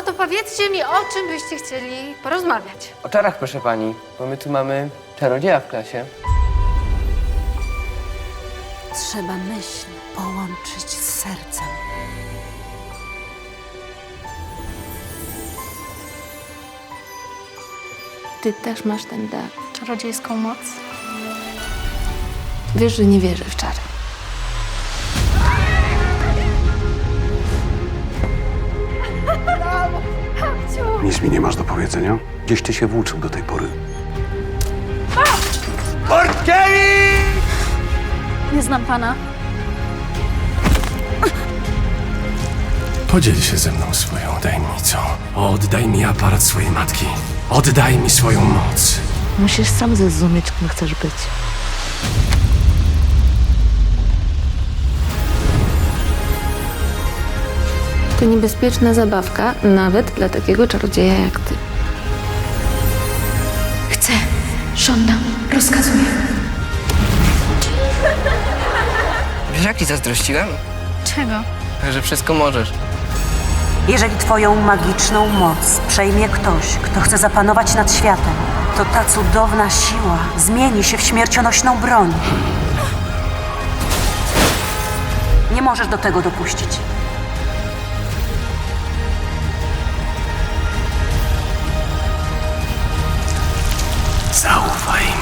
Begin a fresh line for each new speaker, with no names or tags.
No to powiedzcie mi, o czym byście chcieli porozmawiać.
O czarach, proszę pani, bo my tu mamy czarodzieja w klasie.
Trzeba myśl połączyć z sercem.
Ty też masz ten dar.
Czarodziejską moc.
Wiesz, że nie wierzę w czary.
Nic mi nie masz do powiedzenia? Gdzieś ty się włóczył do tej pory.
Nie znam pana.
Podziel się ze mną swoją tajemnicą. Oddaj mi aparat swojej matki. Oddaj mi swoją moc.
Musisz sam zrozumieć, kim chcesz być.
To niebezpieczna zabawka, nawet dla takiego czarodzieja jak ty. Chcę, żądam, rozkazuję.
Wiesz, jak ci zazdrościłem?
Czego?
Że wszystko możesz.
Jeżeli twoją magiczną moc przejmie ktoś, kto chce zapanować nad światem, to ta cudowna siła zmieni się w śmiercionośną broń. Nie możesz do tego dopuścić.
Zaufaj mi.